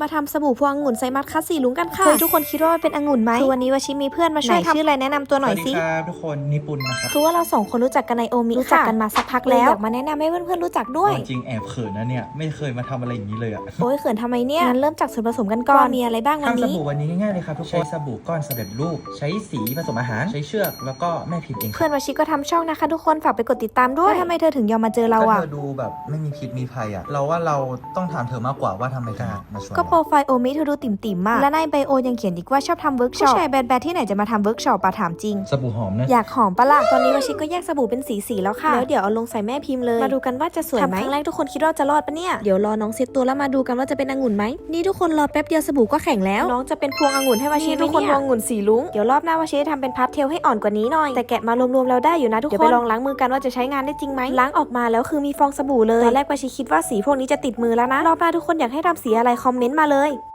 มาทำสบู่พวงองุ่นไซมัสคัสสีลุงกันค่ะทุกคนคิดว่ามันเป็นองุ่นไหมคือวันนี้วชิมีเพื่อนมาช่วยทำชื่ออะไรแนะนำตัวหน่อยสิสวัสดีครับทุกคนนิปุนนะครับคือว่าเราสองคนรู้จักกันในโอมิรู้จักกันมาสักพักแล้วอยากมาแนะนำให้เพื่อนๆรู้จักด้วยจริงแอบเขินนะเนี่ยไม่เคยมาทำอะไรอย่างนี้เลยอะโอ้ยเขินทำไมเนี่ยงั้นเริ่มจากส่วนผสมกันก่อนมีอะไรบ้างวันทำสนี้บู่วันนี้ง่ายๆเลยครับทุกคนใช้สบู่ก้อนสำเร็จรูปใช้สีผสมอาหารใช้เชือกแล้วก็แม่พิมพ์เองเพื่อนวชิก็ทำช่องนะคะทุกคนฝากไปกดติดตามด้วยทำไมเธอถึงยอมมาเจอเราก็อ่ะเธอดูแบบไม่มีพิษมีภัยอะเราว่าเราต้องถามเธอมากกว่าว่าทำไมกล้ามาชวนก็โปรไฟล์โอมิเธอดูติ่มๆมากและในไบโอยังเขียนอีกว่าชอบทำเวิร์กช็อปผู้ชายแบดๆที่ไหนจะมาทำเวิร์กช็อปปะถามจริงสบู่หอมนะอยากหอมปะล่ะตอนนี้วชิก็แยกสบู่เป็นสีแล้วค่ะแล้วเดี๋ยวเอาลงใส่แม่พิมพ์เลยมาดูกันว่าจะสวยไหมครั้งแรกทุกคนคิดว่าจะรอดปะเนี่ยเดี๋ยวรอน้องเซ็ตตัวแล้วมาดูกันว่าจะเป็นองุ่นไหมนี่ทุกคนรอแป๊บเดียวสบู่ก็แข็งแล้วน้องจะเป็นพวงองุ่นให้วชิทุกคนพวงองุ่นสีลุ้งเดี๋ยวรอบหน้าวชิจะทำเป็นพาสเทลให้อ่อนกว่านี้หน่อยแต่แกะมารวมๆแล้วได้อยู่นะทุกคนเดี๋ยวไปลองล้างมือกันว่าจะใช้งานได้จริงไหมล้างออกมาแล้วคือมีฟองสบู่เลยตอนแรกวชิคิดว่าสีพวกนี้จะติดมือแล้วนะรอบหน้าทุกคนอยากให้ทำสีอะไรคอมเมนต์มาเลย